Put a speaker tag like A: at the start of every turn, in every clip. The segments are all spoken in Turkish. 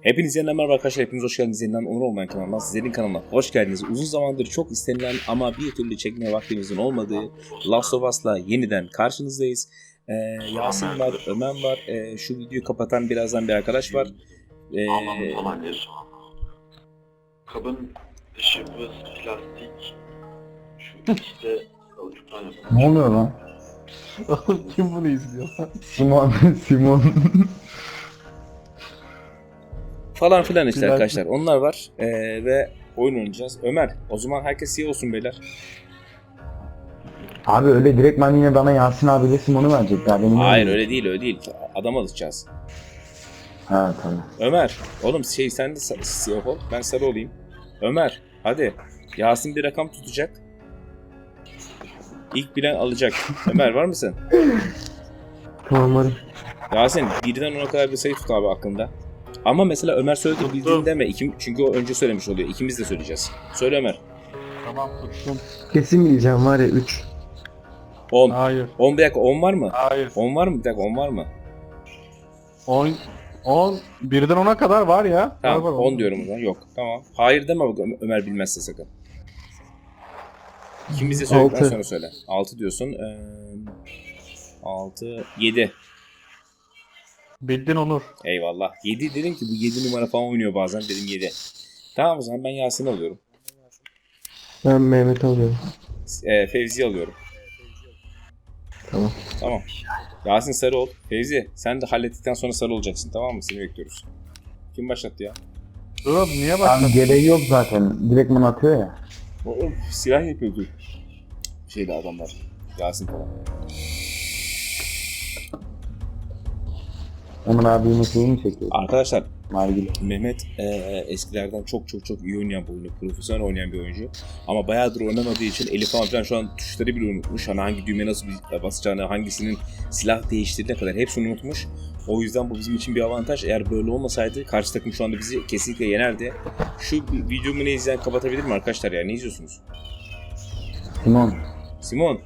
A: Hepinize merhaba arkadaşlar, hepiniz hoş geldiniz yeniden Onur Olmayan kanalına, sizlerin kanalına hoş geldiniz. Uzun zamandır çok istenilen ama bir türlü çekmeye vaktimizin olmadığı Last of Us'la yeniden karşınızdayız. Yasin var, Ömer var, şu videoyu kapatan birazdan bir arkadaş var.
B: Aman kabın dışı plastik, şu işte kauçuktan yapılmış.
C: Ne oluyor lan?
D: Kim bunu izliyor lan?
C: Simon.
A: Falan filan işte
D: Güzel.
A: arkadaşlar, onlar var ve oyun oynayacağız. Ömer, o zaman herkes iyi olsun beyler.
C: Abi öyle direkt ben yine bana Yasin abiyle Simon'u verecekler. Benim
A: Hayır öyle değil, adam alacağız.
C: Ha tamam.
A: Ömer, oğlum sen de siyah ol, ben sarı olayım. Ömer, hadi. Yasin bir rakam tutacak. İlk bilen alacak. Ömer var mısın?
C: Tamam hadi.
A: Yasin, 1'den 10'a kadar bir sayı tut abi aklında. Ama mesela Ömer söyledi bildiğin deme. Çünkü o önce söylemiş oluyor. İkimiz de söyleyeceğiz. Söyle Ömer.
D: Tamam tuttum.
C: Kesin bileceğim var ya 3.
A: 10.
D: Hayır.
A: 10 bir dakika 10 var mı?
D: Hayır.
A: 10 var mı? Bir dakika 10 var mı?
D: 10 birden 10'a kadar var ya.
A: Tamam
D: var,
A: 10 diyorum o zaman. Yok. Tamam. Hayır deme bak Ömer bilmezse sakın. İkimiz de söyledikten
C: Altı.
A: sonra söyle. 6 diyorsun. 6, 7.
D: Bildin Onur.
A: Eyvallah. 7 dedim ki bu 7 numara falan oynuyor bazen. Dedim 7. Tamam o zaman ben Yasin'i alıyorum.
C: Ben Mehmet alıyorum.
A: Fevzi'yi alıyorum.
C: Tamam.
A: Tamam. Yasin sarı ol. Fevzi sen de hallettikten sonra sarı olacaksın, tamam mı? Seni bekliyoruz. Kim başlattı ya?
D: Dur oğlum niye
C: Tam
D: başladın?
C: gereği yok zaten. Direkt bana atıyor ya.
A: O silah yapıyordu. Şeydi adamlar. Yasin falan.
C: Onur abimin şeyini mi çekiyor?
A: Arkadaşlar
C: Nargile.
A: Mehmet eskilerden çok iyi oynayan bir oyuncu. Profesyonel oynayan bir oyuncu. Ama bayağıdır oynamadığı için eli falan şu an tuşları bile unutmuş. Hani hangi düğmeye nasıl basacağını, hangisinin silah değiştirdiğine kadar hepsini unutmuş. O yüzden bu bizim için bir avantaj. Eğer böyle olmasaydı karşı takım şu anda bizi kesinlikle yenerdi. Şu videomu ne izleyen kapatabilir mi arkadaşlar ya? Ne izliyorsunuz?
C: Simon.
A: Simon.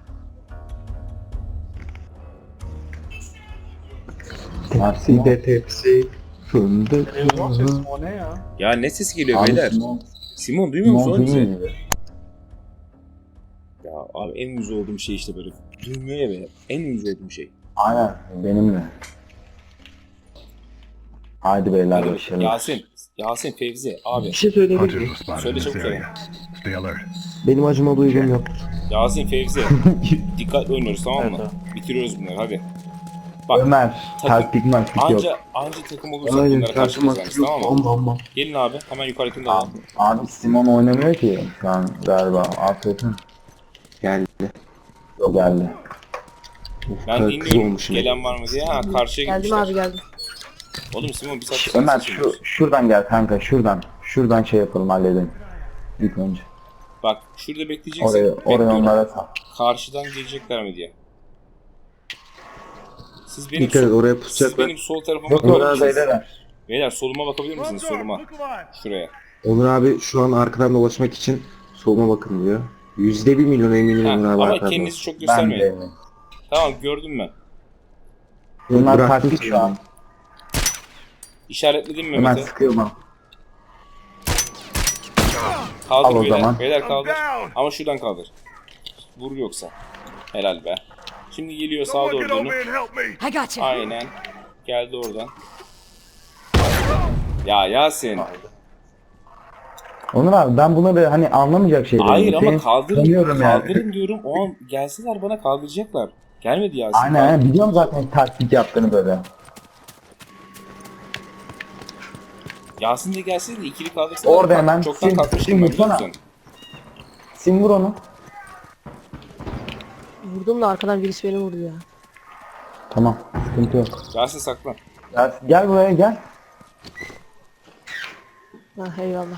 C: Tepsi de tepsi. Fındık.
D: Televizyon sesi o ne ya?
A: Ya ne sesi geliyor
C: Abi
A: beyler?
C: Simon.
A: Simon duymuyor musun?
C: Simon
A: Onu bizi?
C: duymuyor.
A: Ya abi en yüz olduğum şey işte böyle. Duymuyor ya beni. En yüz olduğum şey.
C: Aynen benim de. Haydi beyler başlayalım.
A: Yasin, Fevzi abi.
E: Bir şey söyleyebilir
A: Söyle
E: miyim?
A: çabuk söyle.
E: Stay alert. Benim acıma duygum yok.
A: Yasin, Fevzi. Dikkatli oynuyoruz, tamam mı? Bitiriyoruz bunları hadi. Bak
C: Ömer. Taktik maktik yok.
A: anca takım olursak
E: Aynen,
A: bunlara karşı
E: karşıma
A: kazanırız, tamam mı?
E: Amma.
A: Gelin abi hemen yukarıdakini de alalım.
C: Abi Simon oynamıyor ki şu an galiba. Aferin.
E: Geldi.
C: Yok geldi.
A: Ben
E: kız
A: dinliyorum
E: olmuşum.
A: gelen var mı diye. Ha karşıya
F: Geldim
A: gitmişler.
F: abi geldim.
A: Oğlum Simon bir saat
C: Ömer
A: sesini duyuyoruz.
C: şuradan gel kanka şuradan. Şuradan şey yapalım halledelim. İlk önce.
A: Bak şurada bekleyeceksin.
C: Oraya
A: Bekliyorum.
C: onlara sal.
A: Karşıdan gelecekler mi diye. Siz benim,
E: Dikkat et oraya
A: siz
E: pusacaklar.
A: benim sol tarafıma
C: Yok
A: bakabilir
C: orada
A: misiniz?
C: beyler.
A: Beyler soluma bakabilir misiniz? Soluma. Şuraya.
E: Onur abi şu an arkadan dolaşmak için soluma bakın diyor. %1 milyon eminim
A: Ha,
E: Onur abi
A: ama
E: arkadan.
A: kendinizi çok
C: Ben
A: göstermeyin.
C: de.
A: Tamam gördüm ben.
C: Bunlar
E: Bıraktım
C: taktik şu an.
A: İşaretledim
C: Ömer
A: Mehmet'e.
C: sıkıyor bana.
A: Kaldır
C: Al o
A: beyler.
C: zaman.
A: Beyler kaldır. Ama şuradan kaldır. Vur yoksa. Helal be. Şimdi geliyor sağa doğru dönüp.
F: I got you.
A: Aynen. Geldi oradan. Ya Yasin.
C: Onur abi ben bunları hani anlamayacak şeyler.
A: Hayır ama kaldırın.
C: Tanıyorum yani.
A: Kaldırın diyorum. O an gelseler bana kaldıracaklar. Gelmedi Yasin.
C: Aynen biliyorum zaten taktik yaptığını böyle.
A: Yasin de gelseydi de ikili kaldırsın.
C: Orada hemen
A: Çoktan
C: sim
A: kalkmıştım ben, biliyor
C: vursana.
A: musun?
C: Sim vur onu.
F: Vurdum da arkadan birisi beni vurdu ya.
C: Tamam sıkıntı yok.
A: Yasin saklan.
C: Gel buraya gel.
F: Ha eyvallah.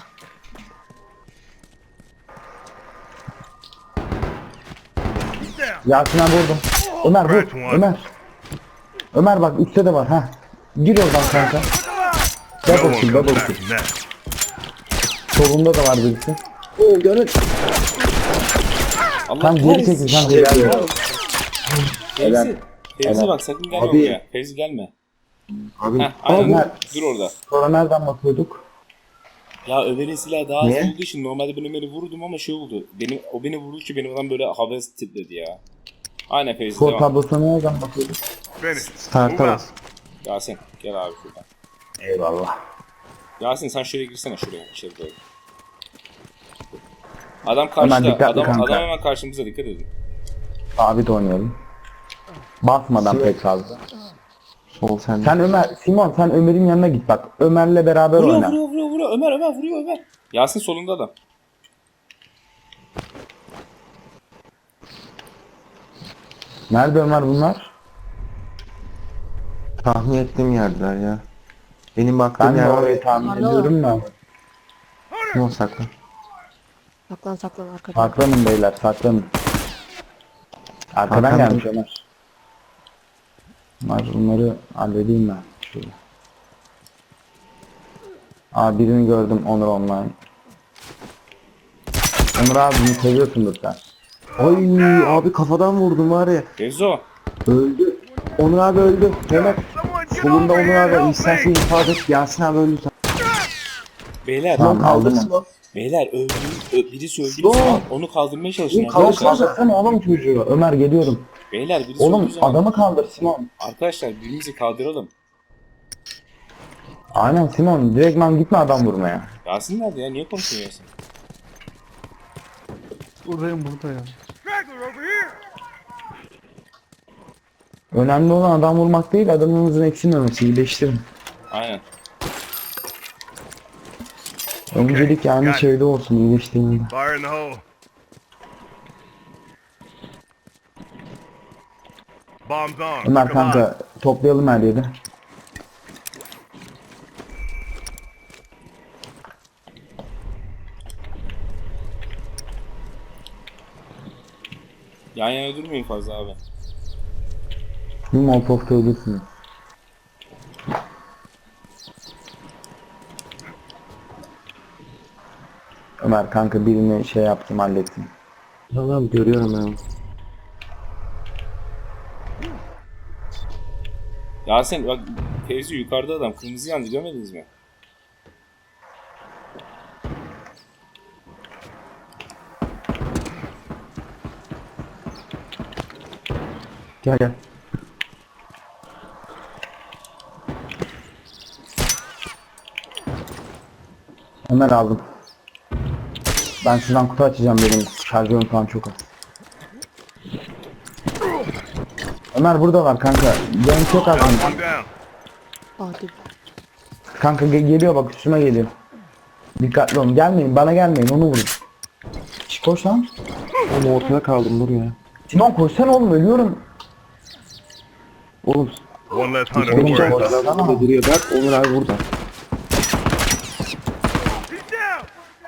C: Yasin'e vurdum. Ömer vur. Ömer. Ömer bak üstte de var ha. Gir oradan kanka. Double kill double kill. Solunda da var birisi.
E: Oo gönül.
A: Allah
C: Tam geri çekil sen de gel.
A: Fevzi. Fevzi
C: Helal.
A: bak sakın gelme
E: Abi.
A: buraya. Fevzi gelme.
E: Abi
A: Heh, aynen.
C: Ömer.
A: Dur orada.
C: Sonra nereden bakıyorduk?
A: Ya Ömer'in silahı daha az
C: Niye?
A: olduğu için normalde ben Ömer'i vurdum ama şey oldu. O beni vurduğu için benim adam böyle havas titredi ya. Aynen Fevzi
C: Skor
A: devam.
C: tablosuna nereden bakıyorduk?
E: start'a bas.
A: Yasin gel abi şuradan.
C: Eyvallah.
A: Yasin sen şuraya girsene şuraya. İçeri doğru. Adam
C: Hemen
A: karşıda.
C: dikkatli
A: Adam
C: kanka.
A: hemen karşımıza, dikkat edin.
C: Sabit oynayalım. Basmadan pek fazla.
E: Sol sende.
C: Sen Ömer, Simon sen Ömer'in yanına git bak. Ömer'le beraber
A: Vuruyor
C: oyna.
A: vuruyor. Ömer vuruyor. Yasin solunda adam.
C: Nerede Ömer bunlar?
E: Tahmin ettiğim yerdeler ya. Benim baktığım
C: Ben de
E: yer var.
C: orayı tahmin
F: Arda
C: ediyorum da.
E: Simon sakla.
F: Saklan arkada.
C: Saklanın beyler saklanın. Arkadan
E: Arkamda.
C: gelmiş Ömer. Bunları halledeyim ben. Şöyle. Aa birini gördüm Onur online. Onur abi bunu seviyorsundur sen.
E: Ay abi kafadan vurdum var ya.
A: Fevzo.
E: Öldü. Onur abi öldü. Mehmet. Solunda Onur abi. İstersen ifade et. Yasin abi öldü.
A: Beyler.
C: Tamam, aldım onu.
E: Simon.
A: Beyler birisi öldüğü
E: Yok.
A: zaman onu kaldırmaya çalışın
C: Kaldır
A: arkadaşlar.
C: kaldırsana oğlum çocuğu. Ömer geliyorum.
A: Beyler birisi
C: Oğlum
A: öldüğü zaman.
C: adamı kaldır Simon.
A: Arkadaşlar birbirimizi kaldıralım.
C: Aynen Simon direktman gitme adam vurmaya.
A: Yasin nerede ya? Niye konuşuyor Yasin?
D: Buradayım burada ya.
C: Önemli olan adam vurmak değil adamımızın eksilmemesi. İyileştirin.
A: Aynen.
C: Öncelik yani şeyde olsun iyileştiğinde.
G: Fire in the hole. Bombs on.
C: Ömer
G: Come on.
C: kanka toplayalım her yeri.
A: Yan yana durmayın fazla abi.
C: Bir molotofta ölürsünüz. Ömer kanka birini şey yaptım hallettim.
E: Tamam görüyorum ben.
A: Yasin bak Fevzi yukarıda adam. Kırmızı yandı, görmediniz mi?
C: Gel gel. Ömer aldım. Ben şuradan kutu açacağım benim şarjörüm falan çok az. Ömer burada var kanka. Benim çok az.
G: One down.
F: Hadi.
C: Kanka geliyor bak üstüme geliyor. Dikkatli olun. Gelmeyin bana gelmeyin onu vurun. Şş, koş lan.
E: Oğlum ortada kaldım dur ya.
C: Simon koşsana oğlum ölüyorum.
E: Oğlum
G: One less hunter
C: Oğlum,
G: to worry
C: boş.
G: about.
E: adam burada duruyor. Bak Onur abi burada.
G: He's down.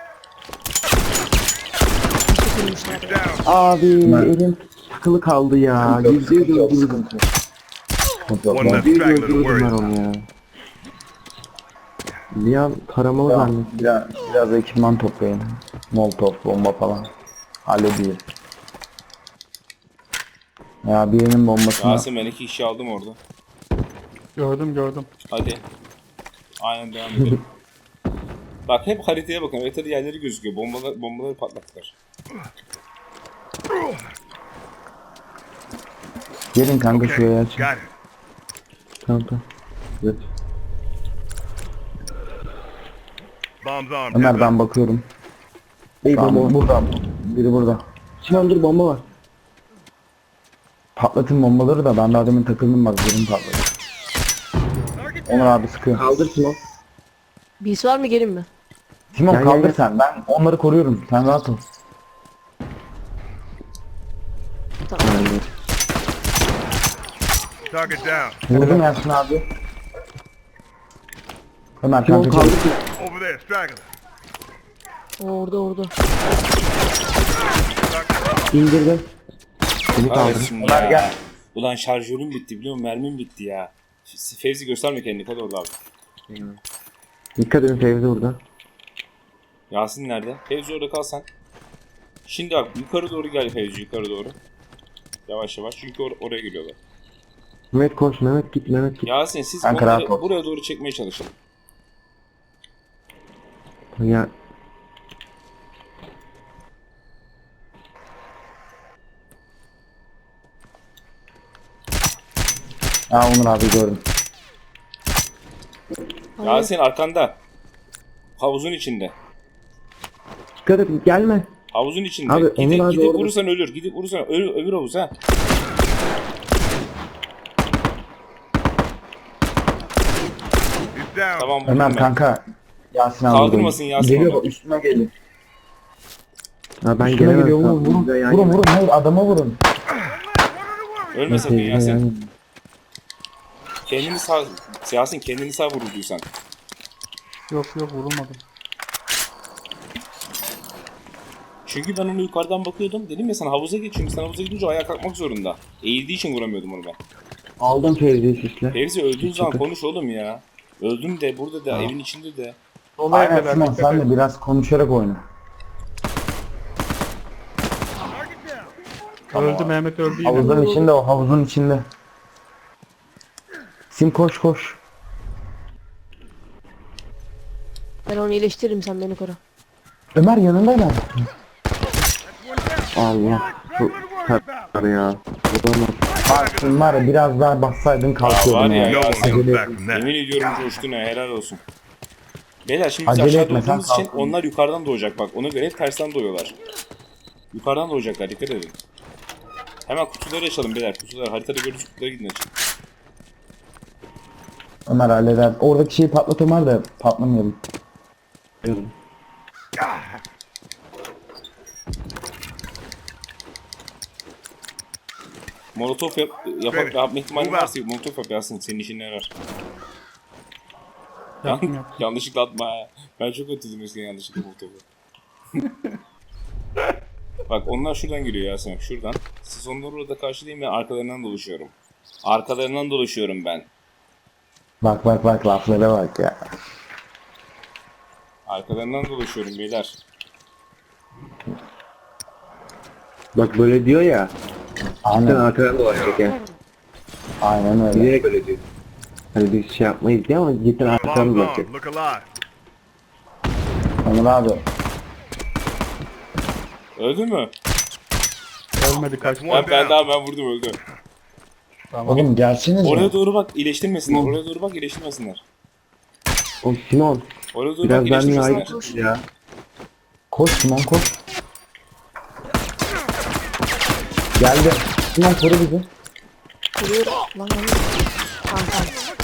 F: Tutulmuşlar ya.
G: Down.
E: Abi elim takılı kaldı ya. %100 öldürdüm.
G: One less
E: %100
G: straggler to
E: öldürdüm
G: worry
E: ben
G: about.
E: onu ya. Bir an taramalı zannettim.
C: Biraz ekipman toplayın. Molotov, bomba falan. Hallediyor. Ya birinin bombasını...
A: Yasin ben 2 kişi aldım orada.
D: Gördüm.
A: Hadi. Aynen devam edelim. Bak hep haritaya bakın. Haritada yerleri gözüküyor. Bombaları patlattılar.
C: Gelin kanka şuraya açın.
G: Got it.
E: Kanka. Evet.
G: Bombs on.
C: Ömer ben bakıyorum.
E: Ey
C: Tamam,
E: bomba var.
C: burada. Biri burada.
E: Sinan dur bomba var.
C: Patlatın bombaları da ben daha demin takıldım bak birini patladı. Onur abi sıkıyor.
E: Kaldır Sinan.
F: Birisi var mı gelin mi?
C: Simon
E: Gel,
C: kaldır
E: gel.
C: sen. Ben onları koruyorum. Sen rahat ol.
E: Aynen.
G: Target down.
C: Vurdum Yasin abi. Ömer
E: Sinan
C: kanka
E: kaldır.
C: çabuk.
G: Over there, straggler.
F: Orada.
E: İndirdim. Seni kaldır.
A: Kahretsin
C: Ömer
A: ya.
C: gel.
A: Ulan şarjörüm bitti biliyor musun? Mermim bitti ya. Fevzi gösterme kendini. Hadi orada abi.
E: Dikkat edin Fevzi burada.
A: Yasin nerede? Fevzi orada kal sen. Şimdi bak yukarı doğru gel Fevzi, yukarı doğru. Yavaş yavaş çünkü oraya geliyorlar.
E: Mehmet koş, Mehmet git, Mehmet git.
A: Yasin siz
C: Kanka,
A: onları
C: rahat ol.
A: buraya doğru çekmeye çalışın.
E: Ya
C: Ha Onur abi gördüm.
F: Hayır.
A: Yasin arkanda. Havuzun içinde.
E: dikkat et, gelme.
A: Havuzun içinde.
E: Abi,
A: gidip
E: Onur abi
A: gidip
E: orada-
A: vurursan ölür. Gidip vurursan öbür havuz ha.
G: He's down.
A: Tamam vurdum
C: Ömer
A: ben.
C: kanka. Yasin abi.
A: Kaldırmasın
C: vurdu.
A: Yasin
C: Geliyor
A: onu.
C: bak üstüme geliyor.
E: Ha ben
C: Üstüme
E: gelemem.
C: geliyor vurun vurun.
E: Biz de yan
C: Vurun
E: yana.
C: vurun hayır adama vurun.
A: Ölme sakın
E: Biz de yan
A: Yasin.
E: yana.
A: Kendini sağ... Yasin kendini sağ vururduysan.
D: Yok yok vurulmadım.
A: Çünkü ben onu yukarıdan bakıyordum. Dedim ya sana havuza geç. Çünkü sen havuza gidince ayağa kalkmak zorunda. Eğildiği için vuramıyordum onu ben.
E: Aldım Fevzi'yi sisle.
A: Fevzi öldüğün zaman konuş oğlum ya. Öldüm de burada da evin içinde de.
D: Sola
C: Aynen
D: evdeler.
C: Sinan
D: dikkat
C: sen
D: et.
C: de biraz konuşarak oyna.
D: Öldü Mehmet öldü yine.
C: Havuzun içinde o havuzun içinde. Sim koş koş.
F: Ben onu iyileştiririm sen beni koru.
C: Ömer yanında mı?
E: Allah. Bu kadar ya. Vuramaz.
C: Bak var ya biraz daha bassaydın
A: Ya
C: kalkıyordum
A: var ya
C: ya.
G: No one
A: Yasin.
G: comes back from that.
A: Yemin ediyorum coştun ha helal olsun. Beyler şimdi biz
C: Acele
A: aşağıda
C: etme, sen
A: olduğumuz için
C: kalk.
A: onlar yukarıdan doğacak bak. Ona göre hep tersten doğuyorlar. Yukarıdan doğacaklar dikkat edin. Hemen kutuları açalım beyler. Kutuları haritada gördüğünüz kutuları gidin açın.
C: Ömer halleder. Oradaki şeyi patlat Ömer de patlamayalım.
A: Molotof yapma ihtimali varsa molotof yap Yasin. Senin işine yarar.
D: Yaptım yaptım.
A: Yanlışlıkla atma ha. Ben çok ötürdüm eskiden yanlışlıkla molotofu. Bak onlar şuradan geliyor Yasin bak şuradan. Siz onları orada karşılayın ben arkalarından dolaşıyorum. Arkalarından dolaşıyorum ben.
C: Bak bak bak laflara bak ya.
A: Arkalarından dolaşıyorum beyler.
E: Bak böyle diyor ya. Sen
C: Aynen,
E: arkadan dolaşacak ya.
C: aynen öyle.
E: Bilerek öyle diyor. Hani biz şey yapmayız diye ama cidden arkadan
G: Bombs
E: dolaşacak.
G: on. Look alive.
C: Onur abi.
A: Öldün mü?
D: Ölmedi kaç.
G: One
A: Ben
G: down.
A: vurdum öldü.
C: Oğlum gelseniz
A: Oraya
C: ya.
A: doğru bak iyileştirmesinler. Oraya doğru bak iyileştirmesinler.
E: O Simon.
A: Oraya doğru
E: Biraz
A: bak
E: ben
A: iyileştirmesinler.
E: ya.
C: Koş Simon koş. Geldi. Simon koru bizi.
F: Kuruyorum. Lan lan. Tamam tamam.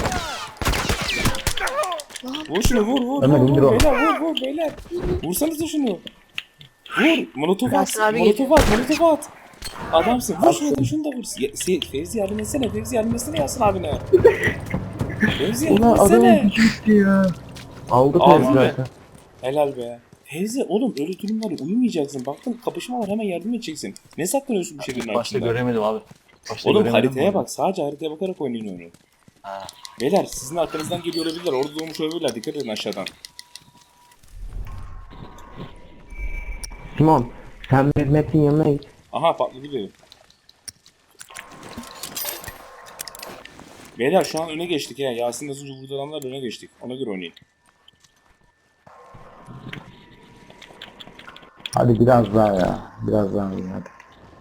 A: Vur şunu vur
C: Ömer, indir onu.
A: beyler vur beyler. Vursanıza şunu. Vur molotof at.
F: Yasin abi
A: Molotof at. Adamsın. Vur şunu da vur. Fevzi yardım etsene. Fevzi yardım etsene Yasin abine. Fevzi yardım
E: Ulan adamın
A: etsene.
E: gücü gitti ya. Aldı
A: Aldı
E: Fevzi
A: be.
E: zaten.
A: Helal be. Fevzi oğlum öyle durumlara uyumayacaksın. Baktın kapışma var hemen yardım edeceksin. Ne saklanıyorsun bir şeylerin
H: Başta
A: altında?
H: göremedim abi. Başta
A: Oğlum
H: göremedim
A: haritaya
H: bunu.
A: bak. Sadece haritaya bakarak oynayın onu.
H: Ha.
A: Beyler sizin arkanızdan geliyor olabilirler. Orada doğmuş olabilirler. Dikkat edin aşağıdan.
E: Simon. Sen Mehmet'in yanına git.
A: Aha patladı biri. Beyler şu an öne geçtik ya. Yasin az önce vurdu adamlar öne geçtik. Ona göre oynayın.
C: Hadi biraz daha ya. Biraz daha iyi hadi.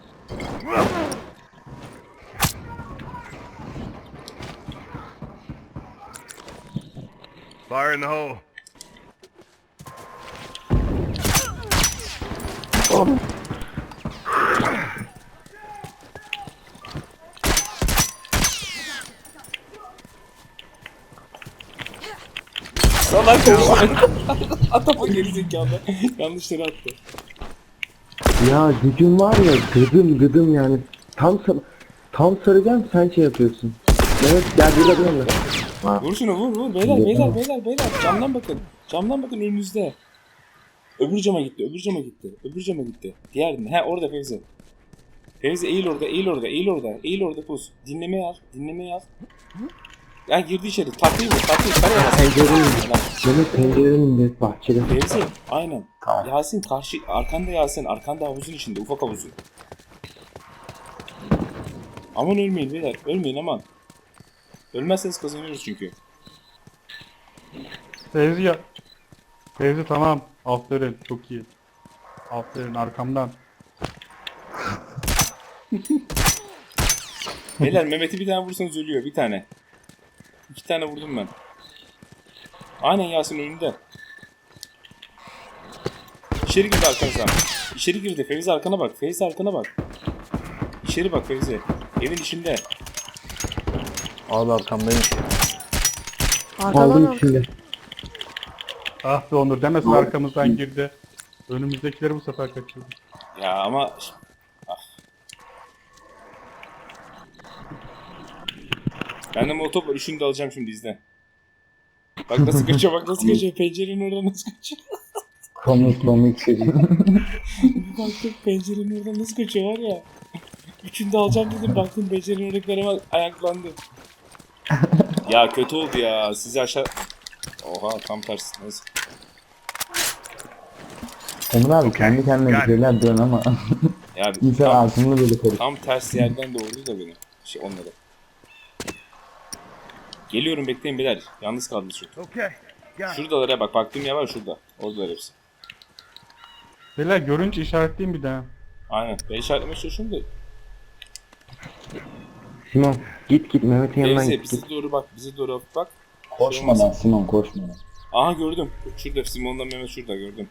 G: Fire in the hole.
A: Salak olsun. Atama gerizekalı. Yanlış yere attı.
E: Ya gücüm var ya gıdım yani. Tam saracağım sen şey yapıyorsun. Mehmet gel burada bir yanına.
A: Vur şunu vur. Beyler. Camdan bakın. Camdan bakın önünüzde. Öbür cama gitti. Diğerinde. He orada Fevzi. Fevzi eğil orada pus. Dinlemeye al. Ya girdi içeri. Tatlıyı vur. Karaya bas.
E: Pencerenin Mehmet pencerenin de bahçede.
A: Fevzi aynen.
C: Tamam.
A: Yasin karşı arkanda Yasin. Arkanda havuzun içinde. Ufak havuzun. Aman ölmeyin beyler. Ölmeyin aman. Ölmezseniz kazanıyoruz çünkü.
D: Fevzi ya. Fevzi tamam. Aferin. Çok iyi. Aferin arkamdan.
A: Beyler Mehmet'i bir tane vursanız ölüyor. Bir tane. 2 tane vurdum ben. Aynen Yasin önünde. İçeri girdi arkanızdan. İçeri girdi. Fevzi arkana bak. Fevzi arkana bak. İçeri bak Fevzi. Evin içinde.
H: Abi arkamdayım.
F: Arkadan
C: Aldım
F: al.
C: içinde.
D: Ah be Onur demesin arkamızdan girdi. Önümüzdekileri bu sefer kaçırdı.
A: Ya ama... Ah. Ben de molotof var. Üçünü de alacağım şimdi izle. Bak nasıl kaçıyor, bak nasıl kaçıyor. Pencerenin oradan nasıl kaçıyor.
C: Komik çocuk.
A: Baktım pencerenin oradan nasıl kaçıyor var ya. Üçünü de alacağım dedim. Baktım pencerenin oradakilere ayaklandı. Ya kötü oldu ya. Sizi aşağı... Oha tam tersi. Neyse.
C: Onur abi kendi kendine bir şeyler diyorsun ama
A: Ya
C: insan
A: tam,
C: ağzını böyle karıştırıyor.
A: tam ters yerden doğurdu da beni. Onları. Geliyorum bekleyin beyler. Yalnız kaldınız şu.
G: Okay. Got it.
A: Şuradalara bak. Baktığım yer var şurada. Oradalar hepsi.
D: Beyler görünce işaretleyeyim bir daha.
A: Aynen. Ben işaretlemeye çalışıyorum da.
E: Simon git Mehmet'in yanından
A: Neyse
E: git.
A: bize doğru bak. Bize doğru bak.
C: Koşma lan Simon koşma lan.
A: Aha gördüm. Şurada Simon'la Mehmet şurada gördüm.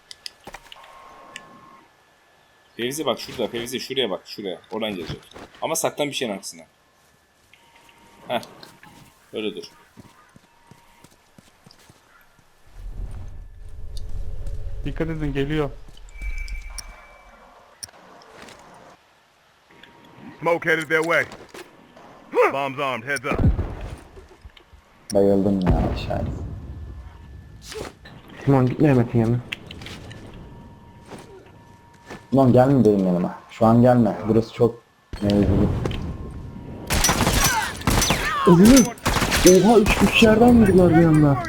A: Fevzi bak şurada. Fevzi şuraya bak. Şuraya. Oradan gelecek. Ama saklan bir şeyin arkasına. Heh. Öyle dur.
D: Dikkat edin geliyor.
G: Smoke headed their way. Bombs armed. Heads up.
C: Bayıldım ya aşağıya.
E: Simon git Mehmet'in yanına.
C: Lan gelme benim yanıma. Şu an gelme. Burası çok mevzulu.
E: Oha üç yerden vurdular bir anda.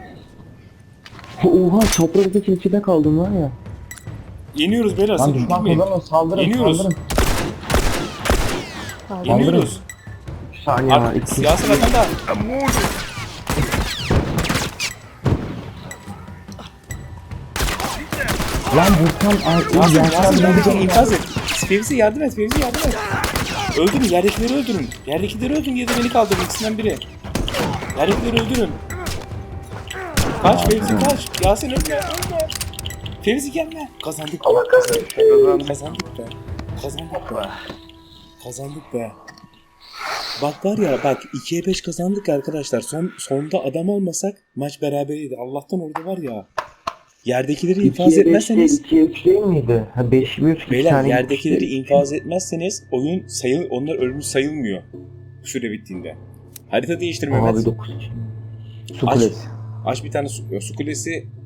E: Oha çaprazda içinde kaldım var ya.
A: Yeniyoruz beyler.
C: Lan
A: Sakın
C: düşman
A: gitmeyin.
C: kazanın saldırın
A: Yeniyoruz.
C: saldırın.
A: Yeniyoruz.
E: Bir saniye var.
A: Artık siyasi rakanda.
G: I'm wounded.
C: Lan Burkan
A: Yasin
C: Yasin
A: yardım et. İnfaz et. Fevzi yardım et. Fevzi yardım et. Öldürün. Yerdekileri öldürün. Yerdekileri öldürün ya da beni kaldırın. İkisinden biri. Yerdekileri öldürün. Kaç Fevzi kaç. Yasin ölme. Ölme. Fevzi gelme. Kazandık. Kazandık be. Kazandık be. Kazandık be. Bak var ya bak 2'ye 5 kazandık arkadaşlar. Sonda adam olmasak maç beraberiydi. Allah'tan orada var ya. Yerdekileri infaz etmezseniz
E: 2'ye 3 değil miydi? Ha 5 mi 3
A: beyler yerdekileri infaz etmezseniz oyun onlar ölmüş sayılmıyor. Süre bittiğinde. Harita değiştirme
E: Abi
A: Mehmet.
E: 9.
C: Su kulesi.
A: Aç bir tane su kulesi